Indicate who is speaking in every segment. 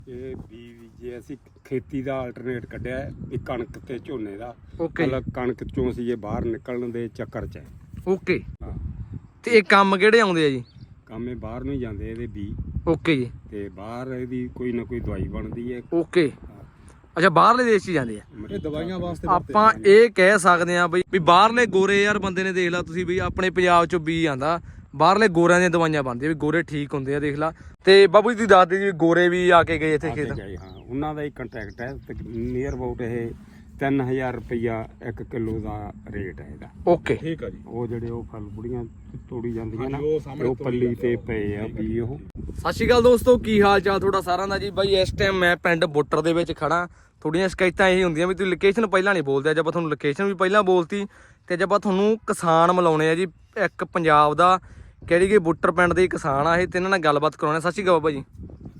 Speaker 1: ਇਹ ਵੀ ਜੇ ਅਸੀਂ ਖੇਤੀ ਦਾ ਆਲਟਰਨੇਟ ਕੱਢਿਆ ਵੀ ਕਣਕ ਤੇ ਝੋਨੇ ਦਾ।
Speaker 2: ਓਕੇ
Speaker 1: ਮਤਲਬ ਕਣਕ ਚੋਂ ਅਸੀਂ ਇਹ ਬਾਹਰ ਨਿਕਲਣ ਦੇ ਚੱਕਰ 'ਚ ਹੈ।
Speaker 2: ਓਕੇ
Speaker 1: ਹਾਂ,
Speaker 2: ਤੇ ਇਹ ਕੰਮ ਕਿਹੜੇ ਆਉਂਦੇ ਆ ਜੀ?
Speaker 1: ਕੰਮ ਇਹ ਬਾਹਰ ਨੂੰ ਹੀ ਜਾਂਦੇ ਇਹਦੇ ਬੀ,
Speaker 2: ਓਕੇ ਜੀ।
Speaker 1: ਤੇ ਬਾਹਰ ਇਹਦੀ ਕੋਈ ਨਾ ਕੋਈ ਦਵਾਈ ਬਣਦੀ ਹੈ।
Speaker 2: ਓਕੇ, ਅੱਛਾ ਬਾਹਰਲੇ ਦੇਸ਼ 'ਚ ਹੀ ਜਾਂਦੇ ਆ
Speaker 1: ਇਹ ਦਵਾਈਆਂ ਵਾਸਤੇ
Speaker 2: ਆਪਾਂ ਇਹ ਕਹਿ ਸਕਦੇ ਆ ਬਈ ਬਾਹਰਲੇ ਗੋਰੇ ਯਾਰ ਬੰਦੇ ਨੇ ਦੇਖ ਲਾ ਤੁਸੀਂ ਵੀ ਆਪਣੇ ਪੰਜਾਬ 'ਚੋਂ ਬੀ ਆਂਦਾ, ਬਾਹਰਲੇ ਗੋਰਿਆਂ ਦੀਆਂ ਦਵਾਈਆਂ ਬਣਦੀਆਂ ਵੀ ਗੋਰੇ ਠੀਕ ਹੁੰਦੇ ਆ ਦੇਖ ਲਾ। ਤੇ ਬਾਬੂ ਜੀ ਤੁਸੀਂ ਦੱਸਦੇ ਜੀ ਗੋਰੇ ਵੀ ਆ ਕੇ ਗਏ ਇੱਥੇ ਖੇਤ?
Speaker 1: ਹਾਂ, ਉਹਨਾਂ ਦਾ ਹੀ ਕੰਟੈਕਟ ਹੈ। ਨੀਅਰ ਅਬਾਊਟ ਇਹ 3000 ਰੁਪਇਆ 1 ਕਿਲੋ ਦਾ ਰੇਟ ਹੈ ਇਹਦਾ।
Speaker 2: ਓਕੇ
Speaker 3: ਠੀਕ ਆ ਜੀ।
Speaker 1: ਉਹ ਜਿਹੜੇ ਉਹ ਫਲ ਬੁੜੀਆਂ ਤੋੜੀ ਜਾਂਦੀਆਂ ਨਾ,
Speaker 3: ਉਹ ਸਾਹਮਣੇ
Speaker 1: ਉਹ ਪੱਲੀ ਤੇ ਪਏ ਆ ਵੀ ਉਹ।
Speaker 2: ਸਤਿ ਸ਼੍ਰੀ ਅਕਾਲ ਦੋਸਤੋ, ਕੀ ਹਾਲ ਚਾਲ ਤੁਹਾਡਾ ਸਾਰਿਆਂ ਦਾ ਜੀ। ਬਾਈ ਇਸ ਟਾਈਮ ਮੈਂ ਪਿੰਡ ਬੁੱਟਰ ਦੇ ਵਿੱਚ ਖੜਾ। ਥੋੜੀਆਂ ਸ਼ਿਕਾਇਤਾਂ ਇਹ ਹੁੰਦੀਆਂ ਵੀ ਤੁਸੀਂ ਲੋਕੇਸ਼ਨ ਪਹਿਲਾਂ ਨਹੀਂ ਬੋਲਦੇ, ਅੱਜ ਆਪਾਂ ਤੁਹਾਨੂੰ ਲੋਕੇਸ਼ਨ ਵੀ ਪਹਿਲਾਂ ਬੋਲਤੀ ਤੇ ਅੱਜ ਆਪਾਂ ਤੁਹਾਨੂੰ ਕਿਸਾਨ ਮਿਲਾਉਣੇ ਆ ਜੀ। ਇੱਕ ਪੰਜਾਬ ਦਾ ਕਿਹੜੀ ਕਿ ਬੁੱਟਰ ਪਿੰਡ ਦੇ ਕਿਸਾਨ ਆ ਇਹ, ਤੇ ਇਹਨਾਂ ਨਾਲ ਗੱਲਬਾਤ ਕਰਾਉਣੇ। ਸਤਿ ਸ਼੍ਰੀ ਅਕਾਲ ਬਾਬਾ ਜੀ।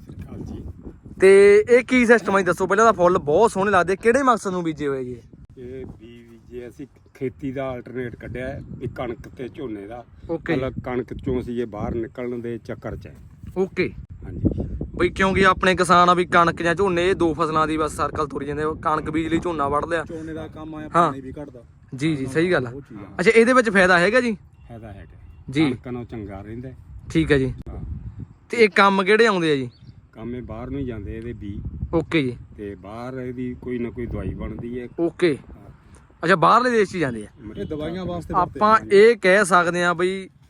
Speaker 2: ਤੇ ਇਹ ਕੀ ਸਿਸਟਮ ਹੈ ਦੱਸੋ ਪਹਿਲਾਂ? ਤਾਂ ਫੁੱਲ ਬਹੁਤ ਸੋਹਣੇ ਲੱਗਦੇ, ਕਿਹੜੇ ਮਕਸਦ ਨੂੰ ਬੀਜੇ ਹੋਏ ਜੀ?
Speaker 1: ਇਹ ਵੀ ਜੇ ਅਸੀਂ ਖੇਤੀ ਦਾ ਆਲਟਰਨੇਟ ਕੱਢਿਆ ਵੀ ਕਣਕ ਤੇ ਝੋਨੇ ਦਾ।
Speaker 2: ਓਕੇ
Speaker 1: ਮਤਲਬ ਕਣਕ ਚੋਂ ਅਸੀਂ ਇਹ ਬਾਹਰ ਨਿਕਲਣ ਦੇ ਚੱਕਰ 'ਚ ਹੈ।
Speaker 2: ਓਕੇ
Speaker 1: ਹਾਂਜੀ,
Speaker 2: ਬਈ ਕਿਉਂਕਿ ਆਪਣੇ ਕਿਸਾਨ ਆ ਵੀ ਕਣਕ ਜਾਂ ਝੋਨੇ ਇਹ ਦੋ ਫਸਲਾਂ ਦੀ ਬਸ ਸਰਕਲ ਤੁਰੀ ਜਾਂਦੇ, ਕਣਕ ਬੀਜ ਲਈ ਝੋਨਾ ਵੱਢ ਲਿਆ।
Speaker 3: ਝੋਨੇ ਦਾ ਕੰਮ ਆਇਆ,
Speaker 2: ਹਾਂ।
Speaker 3: ਪਾਣੀ ਵੀ ਘਟਦਾ
Speaker 2: ਜੀ ਜੀ ਸਹੀ ਗੱਲ ਆ।
Speaker 3: ਉਹ ਚੀਜ਼ ਆ।
Speaker 2: ਅੱਛਾ ਇਹਦੇ ਵਿੱਚ ਫਾਇਦਾ ਹੈਗਾ ਜੀ?
Speaker 1: ਫਾਇਦਾ ਹੈਗਾ
Speaker 2: ਜੀ।
Speaker 1: ਕਣਕ ਨਾਲੋਂ ਚੰਗਾ ਰਹਿੰਦਾ।
Speaker 2: ਠੀਕ ਹੈ ਜੀ।
Speaker 1: ਹਾਂ,
Speaker 2: ਤੇ ਇਹ ਕੰਮ ਕਿਹੜੇ ਆਉਂਦੇ ਆ ਜੀ?
Speaker 1: ਕੰਮ ਇਹ ਬਾਹਰ ਨੂੰ ਹੀ ਜਾਂਦੇ ਇਹਦੇ ਬੀ,
Speaker 2: ਓਕੇ ਜੀ।
Speaker 1: ਤੇ ਬਾਹਰ ਇਹਦੀ ਕੋਈ ਨਾ ਕੋਈ ਦਵਾਈ ਬਣਦੀ ਹੈ।
Speaker 2: ਓਕੇ, ਅੱਛਾ ਬਾਹਰਲੇ ਦੇਸ਼ 'ਚ ਹੀ ਜਾਂਦੇ ਆ।
Speaker 3: ਇਹ ਦਵਾਈਆਂ ਵਾਸਤੇ
Speaker 2: ਆਪਾਂ ਇਹ ਕਹਿ ਸਕਦੇ ਆ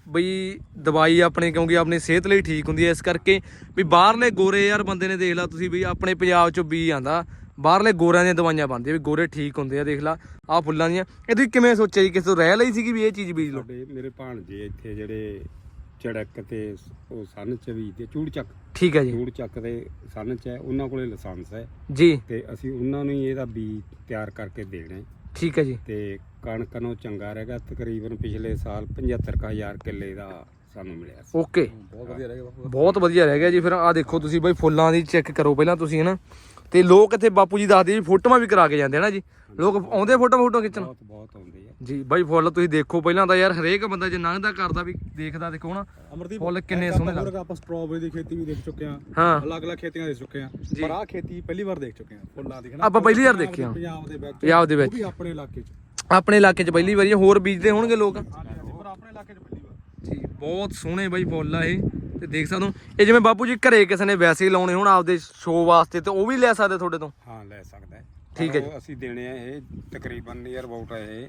Speaker 2: ਬਈ ਦਵਾਈ ਆਪਣੀ ਕਿਉਂਕਿ ਆਪਣੀ ਸਿਹਤ ਲਈ ਠੀਕ ਹੁੰਦੀ ਹੈ, ਇਸ ਕਰਕੇ ਵੀ ਬਾਹਰਲੇ ਗੋਰੇ ਯਾਰ ਬੰਦੇ ਨੇ ਦੇਖ ਲਾ ਤੁਸੀਂ ਵੀ ਆਪਣੇ ਪੰਜਾਬ 'ਚੋਂ ਬੀ ਆਂਦਾ, ਬਾਹਰਲੇ ਗੋਰਿਆਂ ਦੀਆਂ ਦਵਾਈਆਂ ਬਣਦੀਆਂ ਵੀ ਗੋਰੇ ਠੀਕ ਹੁੰਦੇ ਆ। ਦੇਖ ਲਾ ਆਹ ਫੁੱਲਾਂ ਦੀਆਂ। ਇਹ ਤੁਸੀਂ ਕਿਵੇਂ ਸੋਚਿਆ ਜੀ? ਕਿਸੇ ਤੋਂ ਰਹਿ ਲਈ ਸੀਗੀ ਵੀ ਇਹ ਚੀਜ਼ ਬੀਜ ਲਓ?
Speaker 1: ਸਾਡੇ ਮੇਰੇ ਭਾਣਜੇ ਇੱਥੇ ਜਿਹੜੇ ਚੜਕ ਤੇ ਉਹ ਸੰਨ 'ਚ ਵੀ ਤੇ ਚੂੜ ਚੱਕ,
Speaker 2: ਠੀਕ ਹੈ ਜੀ।
Speaker 1: ਚੂੜ ਚੱਕ ਦੇ ਸੰਨ 'ਚ ਹੈ, ਉਹਨਾਂ ਕੋਲੇ ਲਾਇਸੈਂਸ ਹੈ
Speaker 2: ਜੀ
Speaker 1: ਤੇ ਅਸੀਂ ਉਹਨਾਂ ਨੂੰ ਹੀ ਇਹਦਾ ਬੀ ਤਿਆਰ ਕਰਕੇ ਦੇਣਾ ਹੈ।
Speaker 2: ਠੀਕ ਹੈ ਜੀ।
Speaker 1: ਤੇ ਕਣਕ ਨੂੰ ਚੰਗਾ ਰਹੇਗਾ। ਤਕਰੀਬਨ ਪਿਛਲੇ ਸਾਲ 75,000 ਕਿੱਲੇ ਦਾ ਸਾਨੂੰ ਮਿਲਿਆ ਸੀ।
Speaker 2: ਓਕੇ,
Speaker 3: ਬਹੁਤ ਵਧੀਆ ਰਹਿ ਗਿਆ ਬਾਪੂ।
Speaker 2: ਬਹੁਤ ਵਧੀਆ ਰਹਿ ਗਿਆ ਜੀ। ਫਿਰ ਆਹ ਦੇਖੋ ਤੁਸੀਂ ਬਈ ਫੁੱਲਾਂ ਦੀ ਚੈੱਕ ਕਰੋ ਪਹਿਲਾਂ ਤੁਸੀਂ ਹਨਾ। ਤੇ ਲੋਕ ਇੱਥੇ ਬਾਪੂ ਜੀ ਦੱਸਦੇ ਜੀ ਫੋਟੋਆਂ ਵੀ ਕਰਾ ਕੇ ਜਾਂਦੇ ਹਨਾ ਜੀ। ਲੋਕ ਆਉਂਦੇ ਫੋਟੋ ਖਿੱਚਣ?
Speaker 1: ਬਹੁਤ ਆਉਂਦੇ ਆ
Speaker 2: ਜੀ ਬਾਈ ਫੁੱਲ ਤੁਸੀਂ ਦੇਖੋ ਪਹਿਲਾਂ ਤਾਂ ਯਾਰ ਹਰੇਕ ਬੰਦਾ ਜੇ ਲੰਘਦਾ ਕਰਦਾ ਵੀ ਦੇਖਦਾ ਦੇਖੋ ਨਾ
Speaker 3: ਅਮਰਦੀਪ
Speaker 2: ਫੁੱਲ ਕਿੰਨੇ ਸੋਹਣੇ ਲੱਗਦੇ।
Speaker 3: ਆਪਾਂ ਸਟ੍ਰਾਬੇਰੀ ਦੀ ਖੇਤੀ ਵੀ ਦੇਖ ਚੁੱਕੇ ਆ,
Speaker 2: ਹਾਂ
Speaker 3: ਅਲੱਗ-ਅਲੱਗ ਖੇਤੀਆਂ ਦੇਖ ਚੁੱਕੇ ਆ,
Speaker 2: ਜੀ।
Speaker 3: ਪਰ ਆਹ ਖੇਤੀ ਪਹਿਲੀ ਵਾਰ ਦੇਖ ਚੁੱਕੇ ਆ ਫੁੱਲਾਂ ਦੀ। ਹਨਾ
Speaker 2: ਆਪਾਂ ਪਹਿਲੀ ਵਾਰ ਦੇਖੀ ਆ
Speaker 3: ਪੰਜਾਬ ਦੇ ਵਿੱਚ,
Speaker 2: ਪੰਜਾਬ ਦੇ
Speaker 3: ਉਹ
Speaker 2: ਵਿੱਚ,
Speaker 3: ਵੀ ਆਪਣੇ ਇਲਾਕੇ 'ਚ।
Speaker 2: ਆਪਣੇ ਇਲਾਕੇ 'ਚ ਪਹਿਲੀ ਵਾਰੀ। ਹੋਰ ਬੀਜਦੇ ਹੋਣਗੇ ਲੋਕ?
Speaker 3: ਪਰ ਆਪਣੇ ਇਲਾਕੇ 'ਚ ਪਹਿਲੀ ਵਾਰ।
Speaker 2: ਜੀ ਬਹੁਤ ਸੋਹਣੇ ਬਾਈ ਫੁੱਲ ਆ ਇਹ। ਤੇ ਦੇਖ ਸਕਦੇ ਹੋ ਇਹ ਜਿਵੇਂ ਬਾਪੂ ਜੀ ਘਰੇ ਕਿਸੇ ਨੇ ਵੈਸੇ ਹੀ ਲਾਉਣੇ ਹੋਣ ਆਪਦੇ ਸ਼ੋਅ ਵਾਸਤੇ ਤੇ ਉਹ ਵੀ ਲੈ ਸਕਦੇ ਤੁਹਾਡੇ ਤੋਂ?
Speaker 1: ਹਾਂ, ਲੈ ਸਕਦਾ ਹੈ।
Speaker 2: ਠੀਕ ਹੈ ਜੀ।
Speaker 1: ਪਰ ਅਸੀਂ ਦੇਣੇ ਆ ਇਹ ਤਕਰੀਬਨ ਨੀਅਰ ਅਬਾਊਟ ਇਹ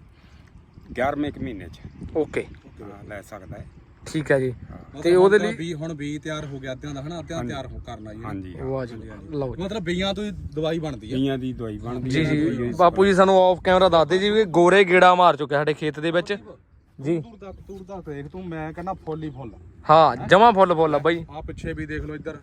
Speaker 1: 11ਵੇਂ ਮਹੀਨੇ 'ਚ।
Speaker 2: ਓਕੇ,
Speaker 1: ਹਾਂ, ਲੈ ਸਕਦਾ ਹੈ।
Speaker 2: ਠੀਕ ਹੈ ਜੀ।
Speaker 3: ਮਤਲਬ
Speaker 2: ਤੇ ਉਹਦੇ ਲਈ
Speaker 3: ਬੀ ਹੁਣ ਬੀ ਤਿਆਰ ਹੋ ਗਿਆ ਅੱਧਿਆਂ ਦਾ, ਹਨਾ ਅੱਧਿਆਂ ਤਿਆਰ ਕਰਨਾ ਜੀ।
Speaker 1: ਹਾਂਜੀ,
Speaker 2: ਵਾਹ ਜੀ ਲਓ ਜੀ।
Speaker 3: ਮਤਲਬ ਬੀਆਂ ਤੋਂ ਹੀ ਦਵਾਈ ਬਣਦੀ ਆ।
Speaker 1: ਬੀਆਂ ਦੀ ਦਵਾਈ ਬਣਦੀ
Speaker 2: ਜੀ
Speaker 1: ਹੈ।
Speaker 2: ਜੀ ਬਾਪੂ ਜੀ ਸਾਨੂੰ ਆਫ ਕੈਮਰਾ ਦੱਸਦੇ ਜੀ ਵੀ ਗੋਰੇ ਗੇੜਾ ਮਾਰ ਚੁੱਕੇ ਸਾਡੇ ਖੇਤ ਦੇ ਵਿੱਚ ਜੀ।
Speaker 3: ਦੂਰ ਤੱਕ ਦੇਖ ਤੂੰ, ਮੈਂ ਕਹਿੰਦਾ ਫੁੱਲ ਹੀ ਫੁੱਲ।
Speaker 2: ਹਾਂ ਜਮਾ ਫੁੱਲ ਆ ਬਾਈ।
Speaker 3: ਆ ਪਿੱਛੇ ਵੀ ਦੇਖ ਲਓ ਇੱਧਰ।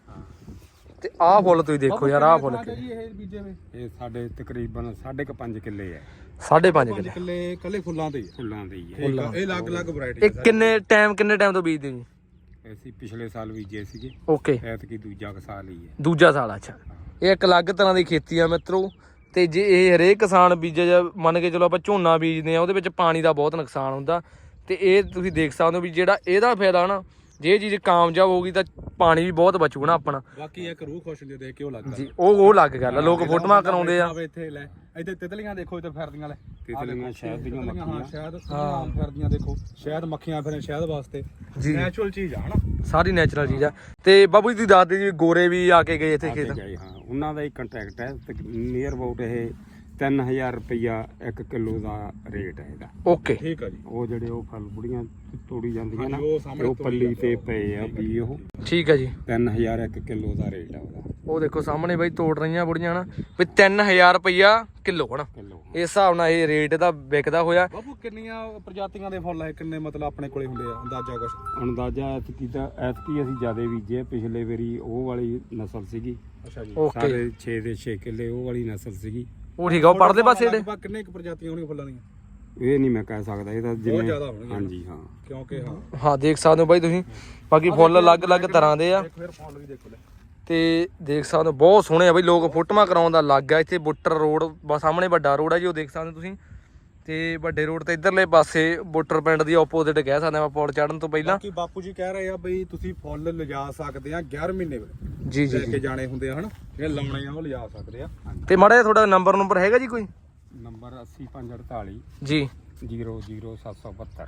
Speaker 2: ਤੇ ਆਹ ਫੁੱਲ ਤੁਸੀਂ ਦੇਖੋ ਯਾਰ, ਆਹ ਫੁੱਲ
Speaker 3: ਜੀ ਇਹ ਬੀਜੇ ਵੇ
Speaker 1: ਇਹ ਸਾਡੇ ਤਕਰੀਬਨ 5.5 ਕਿੱਲੇ ਹੈ।
Speaker 2: 5.5
Speaker 3: 5
Speaker 2: ਕਿੱਲੇ
Speaker 3: ਕਿੱਲੇ ਕੱਲੇ ਫੁੱਲਾਂ ਦੇ ਹੀ ਆ।
Speaker 1: ਫੁੱਲਾਂ ਦੇ ਹੀ ਹੈ।
Speaker 3: ਠੀਕ ਆ, ਇਹ ਅਲੱਗ-ਅਲੱਗ ਵੈਰਾਈਟੀ
Speaker 2: ਇਹ ਕਿੰਨੇ ਟਾਈਮ ਤੋਂ ਬੀਜਦੇ ਜੀ?
Speaker 1: ਅਸੀਂ ਪਿਛਲੇ ਸਾਲ ਬੀਜੇ ਸੀਗੇ,
Speaker 2: ਓਕੇ,
Speaker 1: ਐਤਕੀ ਦੂਜਾ ਸਾਲ ਹੀ ਹੈ।
Speaker 2: ਦੂਜਾ ਸਾਲ। ਅੱਛਾ, ਇਹ ਇੱਕ ਅਲੱਗ ਤਰ੍ਹਾਂ ਦੀ ਖੇਤੀ ਆ ਮਿੱਤਰੋ। ਤੇ ਜੇ ਇਹ ਹਰੇਕ ਕਿਸਾਨ ਬੀਜੇ ਜਾਂ ਮੰਨ ਕੇ ਚਲੋ ਆਪਾਂ ਝੋਨਾ ਬੀਜਦੇ ਆ, ਉਹਦੇ ਵਿੱਚ ਪਾਣੀ ਦਾ ਬਹੁਤ ਨੁਕਸਾਨ ਹੁੰਦਾ। ਤੇ ਇਹ ਤੁਸੀਂ ਦੇਖ ਸਕਦੇ ਹੋ ਵੀ ਜਿਹੜਾ ਇਹਦਾ ਫਾਇਦਾ ਨਾ, ਜੇ ਇਹ ਚੀਜ਼ ਕਾਮਯਾਬ ਹੋਊਗੀ ਤਾਂ ਪਾਣੀ ਵੀ ਬਹੁਤ ਬਚੂਗਾ ਨਾ ਆਪਣਾ।
Speaker 3: ਬਾਕੀ ਇੱਕ ਰੂਹ ਖੁਸ਼ ਹੁੰਦੀ ਦੇਖ ਕੇ ਉਹ ਲੱਗਦਾ
Speaker 2: ਜੀ ਉਹ ਲੱਗ ਗੱਲ ਆ। ਲੋਕ ਫੋਟੋਆਂ ਕਰਾਉਂਦੇ ਆ।
Speaker 3: ਇੱਥੇ ਲੈ, ਇੱਥੇ ਤਿਤਲੀਆਂ ਦੇਖੋ, ਇੱਥੇ ਫਿਰਦੀਆਂ ਲੈ,
Speaker 1: ਤਿਤਲੀਆਂ ਸ਼ਹਿਦ ਦੀਆਂ
Speaker 3: ਹਾਂ
Speaker 1: ਮੱਖੀਆਂ।
Speaker 3: ਸ਼ਾਇਦ ਆਮ ਫਿਰਦੀਆਂ ਦੇਖੋ, ਸ਼ਾਇਦ ਮੱਖੀਆਂ ਫਿਰਨ ਸ਼ਹਿਦ ਵਾਸਤੇ।
Speaker 2: ਜੀ
Speaker 3: ਨੈਚੁਰਲ ਚੀਜ਼ ਆ ਹਨਾ,
Speaker 2: ਸਾਰੀ ਨੈਚੁਰਲ ਚੀਜ਼ ਆ। ਤੇ ਬਾਬੂ ਜੀ ਤੁਸੀਂ ਦੱਸਦੇ ਜੀ ਗੋਰੇ ਵੀ ਆ ਕੇ ਗਏ ਇੱਥੇ ਖੇਤ?
Speaker 1: ਗਏ, ਹਾਂ, ਉਹਨਾਂ ਦਾ ਹੀ ਕੰਟੈਕਟ ਹੈ। ਨੀਅਰ ਅਬਾਊਟ ਇਹ 3000 ਰੁਪਇਆ 1 ਕਿਲੋ ਦਾ ਰੇਟ ਹੈ ਇਹਦਾ।
Speaker 2: ਓਕੇ,
Speaker 3: ਠੀਕ ਆ ਜੀ।
Speaker 1: ਉਹ ਜਿਹੜੇ ਉਹ ਫਲ ਬੁੜੀਆਂ ਤੋੜੀ ਜਾਂਦੀਆਂ ਨਾ,
Speaker 3: ਉਹ ਸਾਹਮਣੇ
Speaker 1: ਉਹ ਪੱਲੀ ਤੇ ਪਏ ਆ ਵੀ ਉਹ।
Speaker 2: ਠੀਕ ਹੈ ਜੀ।
Speaker 1: 3000 1 ਕਿਲੋ ਦਾ ਰੇਟ ਆ ਉਹਦਾ।
Speaker 2: ਉਹ ਦੇਖੋ ਸਾਹਮਣੇ ਬਾਈ ਤੋੜ ਰਹੀਆਂ ਬੁੜੀਆਂ ਨਾ ਵੀ 3000 ਰੁਪਇਆ ਕਿਲੋ ਹਨਾ।
Speaker 1: ਕਿਲੋ
Speaker 2: ਇਸ ਹਿਸਾਬ ਨਾਲ ਇਹ ਰੇਟ ਇਹਦਾ ਵਿਕਦਾ ਹੋਇਆ।
Speaker 3: ਬਾਪੂ ਕਿੰਨੀਆਂ ਪ੍ਰਜਾਤੀਆਂ ਦੇ ਫੁੱਲ ਹੈ, ਕਿੰਨੇ ਮਤਲਬ ਆਪਣੇ ਕੋਲੇ ਹੁੰਦੇ ਆ ਅੰਦਾਜ਼ਾ ਕੁਛ?
Speaker 1: ਅੰਦਾਜ਼ਾ ਐਤਕੀ ਅਸੀਂ ਜ਼ਿਆਦਾ ਬੀਜੇ। ਪਿਛਲੇ ਵਾਰੀ ਉਹ ਵਾਲੀ ਨਸਲ ਸੀਗੀ,
Speaker 3: ਅੱਛਾ ਜੀ।
Speaker 2: ਓਕੇ,
Speaker 1: ਸਾਰੇ 6 ਦੇ 6 ਕਿੱਲੇ ਉਹ ਵਾਲੀ ਨਸਲ ਸੀਗੀ।
Speaker 2: ਉਹ ਠੀਕ ਆ। ਉਹ ਪਰਲੇ ਪਾਸੇ ਜਿਹੜੇ
Speaker 3: ਲਗਭਗ ਕਿੰਨੇ ਕੁ ਪ੍ਰਜਾਤੀਆਂ ਹੋਣਗੀਆਂ ਫੁੱਲਾਂ ਦੀਆਂ?
Speaker 1: ਇਹ ਨਹੀਂ ਮੈਂ ਕਹਿ ਸਕਦਾ, ਇਹ ਤਾਂ ਜਿਵੇਂ
Speaker 3: ਜ਼ਿਆਦਾ ਹੋਣਗੀਆਂ।
Speaker 1: ਹਾਂਜੀ, ਹਾਂ।
Speaker 3: ਕਿਉਂਕਿ
Speaker 2: ਹਾਂ ਦੇਖ ਸਕਦੇ ਹੋ ਬਾਈ ਤੁਸੀਂ, ਬਾਕੀ ਫੁੱਲ ਅਲੱਗ-ਅਲੱਗ ਤਰ੍ਹਾਂ ਦੇ ਆ।
Speaker 3: ਇੱਕ ਫਿਰ ਫੁੱਲ ਵੀ ਦੇਖੋ ਲੈ।
Speaker 2: ਤੇ ਦੇਖ ਸਕਦੇ ਹੋ ਬਹੁਤ ਸੋਹਣੇ ਆ ਬਈ। ਲੋਕ ਫੋਟੋਆਂ ਕਰਾਉਣ ਦਾ ਲੱਗ ਆ ਇੱਥੇ। ਬੁੱਟਰ ਰੋਡ ਸਾਹਮਣੇ ਵੱਡਾ ਰੋਡ ਆ ਜੀ, ਉਹ ਦੇਖ ਸਕਦੇ ਹੋ ਤੁਸੀਂ। ਤੇ ਵੱਡੇ ਰੋਡ ਤੇ ਇਧਰਲੇ ਪਾਸੇ ਬੁੱਟਰ ਪਿੰਡ ਦੀ ਆਪੋਜ਼ਿਟ ਕਹਿ ਸਕਦੇ ਆਪਾਂ ਪੌੜ ਚੜਨ ਤੋਂ ਪਹਿਲਾਂ।
Speaker 3: ਬਾਕੀ ਬਾਪੂ ਜੀ ਕਹਿ ਰਹੇ ਆ ਬਈ ਤੁਸੀਂ ਫੁੱਲ ਲਿਜਾ ਸਕਦੇ ਆ 11 ਮਹੀਨੇ ਵੇਲੇ
Speaker 2: ਜੀ
Speaker 3: ਲੈ ਕੇ ਜਾਣੇ ਹੁੰਦੇ ਆ ਹਨ, ਜਿਹੜੇ ਲਾਉਣੇ ਆ ਉਹ ਲਿਜਾ ਸਕਦੇ ਆ।
Speaker 2: ਤੇ ਮਾੜਾ ਜਿਹਾ ਤੁਹਾਡਾ ਨੰਬਰ ਹੈਗਾ ਜੀ ਕੋਈ?
Speaker 1: ਨੰਬਰ 80548
Speaker 2: ਜੀ
Speaker 1: 00772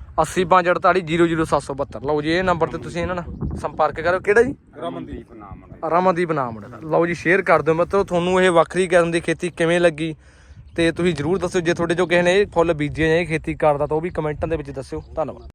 Speaker 2: 80548 ਲਓ ਜੀ ਇਹ ਨੰਬਰ ਤੇ ਤੁਸੀਂ ਇਹਨਾਂ ਨਾਲ ਸੰਪਰਕ ਕਰੋ। ਕਿਹੜਾ ਜੀ?
Speaker 1: ਰਮਨਦੀਪ ਨਾਮ ਹੈ।
Speaker 2: ਰਮਨਦੀਪ ਨਾਮ ਹੈ। ਲਓ ਜੀ ਸ਼ੇਅਰ ਕਰ ਦਿਓ ਮਤਲਬ ਤੁਹਾਨੂੰ ਇਹ ਵੱਖਰੀ ਕਿਸਮ ਦੀ ਖੇਤੀ ਕਿਵੇਂ ਲੱਗੀ ਤੇ ਤੁਸੀਂ ਜਰੂਰ ਦੱਸਿਓ। ਜੇ ਤੁਹਾਡੇ ਚੋਂ ਕਿਸੇ ਨੇ ਇਹ ਫੁੱਲ ਬੀਜੇ ਜਾਂ ਇਹ ਖੇਤੀ ਕਰਦਾ ਤਾਂ ਉਹ ਵੀ ਕਮੈਂਟਾਂ ਦੇ ਵਿੱਚ ਦੱਸਿਓ। ਧੰਨਵਾਦ।